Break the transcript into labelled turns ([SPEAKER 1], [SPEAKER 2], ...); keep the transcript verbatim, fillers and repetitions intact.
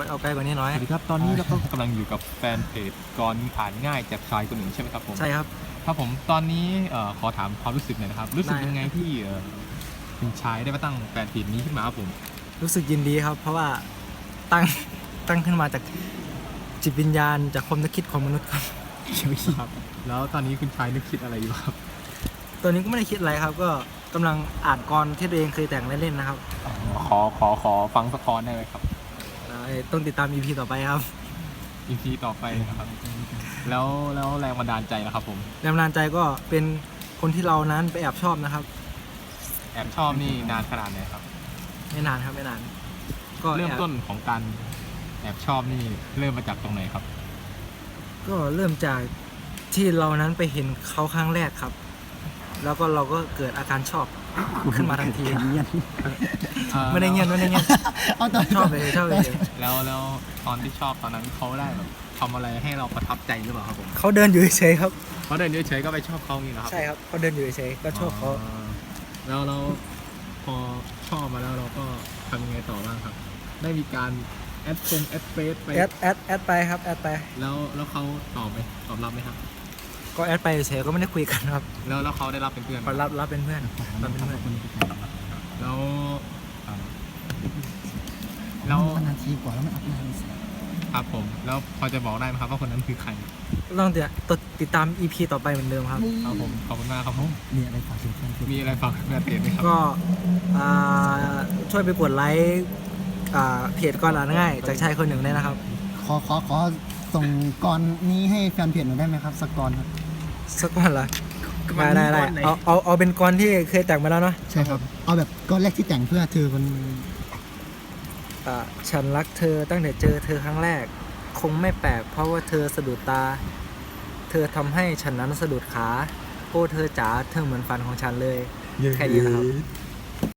[SPEAKER 1] ยเอาไกลกว่านี้น้อย
[SPEAKER 2] สวัสดีครับตอนนี้เราก็กำลังอยู่กับแฟนเพจกรอ่านง่ายจากชายคนหนึ่งใช่ไหมครับผม
[SPEAKER 1] ใช่ครับ
[SPEAKER 2] ครับผมตอนนี้เอ่อขอถามความรู้สึกหน่อยนะครับรู้สึก
[SPEAKER 1] ได้
[SPEAKER 2] ยังไงที่เอ่อคุณชายได้มาตั้งแฟนเพจนี้ขึ้นมาครับผม
[SPEAKER 1] รู้สึกยินดีครับ เพราะว่าตั้งตั้งขึ้นมาจากจิตวิญญาณจากความนึกคิดของมนุษย์ครับ
[SPEAKER 2] ครับแล้วตอนนี้คุณชายนึกคิดอะไรอยู่ครับ
[SPEAKER 1] ตัวนี้ก็ไม่ได้คิดอะไรครับ ก็กำลังอ่านกรที่ตัวเองเคยแต่งเล่นๆนะครับ
[SPEAKER 2] ขอขอขอฟังสกอร์ได้ไหมครับ
[SPEAKER 1] เอ่อต้องติดตาม อี พี ต่อไปครับ
[SPEAKER 2] อีพีต่อไปนะครับแล้วแล้วแรงบันดาลใจนะครับผม
[SPEAKER 1] แรงบันดาลใจก็เป็นคนที่เรานั้นไปแอบชอบนะครับ
[SPEAKER 2] แอบชอบนี่นานขนาดไหนครับ
[SPEAKER 1] ไม่นานครับไม่นาน ก็
[SPEAKER 2] เริ่ม
[SPEAKER 1] แอบ
[SPEAKER 2] ต้นของการแอบชอบนี่เริ่มมาจากตรงไหนครับ
[SPEAKER 1] ก็เริ่มจากที่เรานั้นไปเห็นเขาครั้งแรกครับ แล้วก็เราก็เกิดอาการชอบขึ้นมาทันที ไม่ได้เงียบไม่ได้เงียบ
[SPEAKER 3] เอาต่อ
[SPEAKER 1] ชอบเลยชอบเลย
[SPEAKER 2] แล้วแล้วตอนที่ชอบตอนนั้นเขาได้แบบทำอะไรให้เราประทับใจหรือเปล่าครับผม
[SPEAKER 1] เขาเดินอยู่เฉยๆครับ
[SPEAKER 2] เขาเดินเฉยๆก็ไปชอบเขาอย่างนี้นะครับ
[SPEAKER 1] ใช่ครับเขาเดินอยู่เฉยๆก็ชอบเขา
[SPEAKER 2] แล้วเราพอชอบมาแล้วเราก็ทำยังไงต่อบ้างครับ ได้มีการแอดฟงแอดเฟซไป
[SPEAKER 1] แอดแอดแอดไปครับแอดไป
[SPEAKER 2] แล้วแล้วเขาตอบไหมตอบรับไหมครับ
[SPEAKER 1] ก็แอดไปเฉยๆก็ไม่ได้คุยกันครับ
[SPEAKER 2] แล้วแล้วเขาได้รับเป็นเพื่อนไหม
[SPEAKER 1] ก็รับรับเป็นเพื่อนรับเป็นเพื่อน
[SPEAKER 2] แล้วอ่าแล้ว
[SPEAKER 3] นาทีกว่าแล้วมันอัพนาน
[SPEAKER 2] ครับผมแล้วพอจะบอกได้ไหมครับว่าคนนั้นคือใคร
[SPEAKER 1] ต้องติดติดตาม อี พี ต่อไปเหมือนเดิมครับ
[SPEAKER 2] ครับผมขอบคุณมากครับผม
[SPEAKER 3] มีอะไรฝากถึงแฟนเพจ
[SPEAKER 2] มีอะไรฝากแฟนเพจไหมครับ
[SPEAKER 1] ก็อ่าช่วยไปกดไลค์อ่าเพจก่อนอ่านง่ายจากชายคนหนึ่งได้นะครับ
[SPEAKER 3] ขอขอขอส่งกรนี้ให้แฟนเพจหน่อยได้ไหมครับสักกรครับ
[SPEAKER 1] สักก่อนละได้ได้ได้เอาเอาเอาเป็นกรที่เคยแต่งมาแล้วเนาะ
[SPEAKER 3] ใช่ครับเอาแบบกรแรกที่แต่งเพื่อเธอคน
[SPEAKER 1] อ่าฉันรักเธอตั้งแต่เจอเธอครั้งแรก คงไม่แปลกเพราะว่าเธอสะดุดตา เธอทำให้ฉันนั้นสะดุดขาโอ้เธอจ๋าเธอเหมือนฝันของฉันเลย แค่นี้นะครับ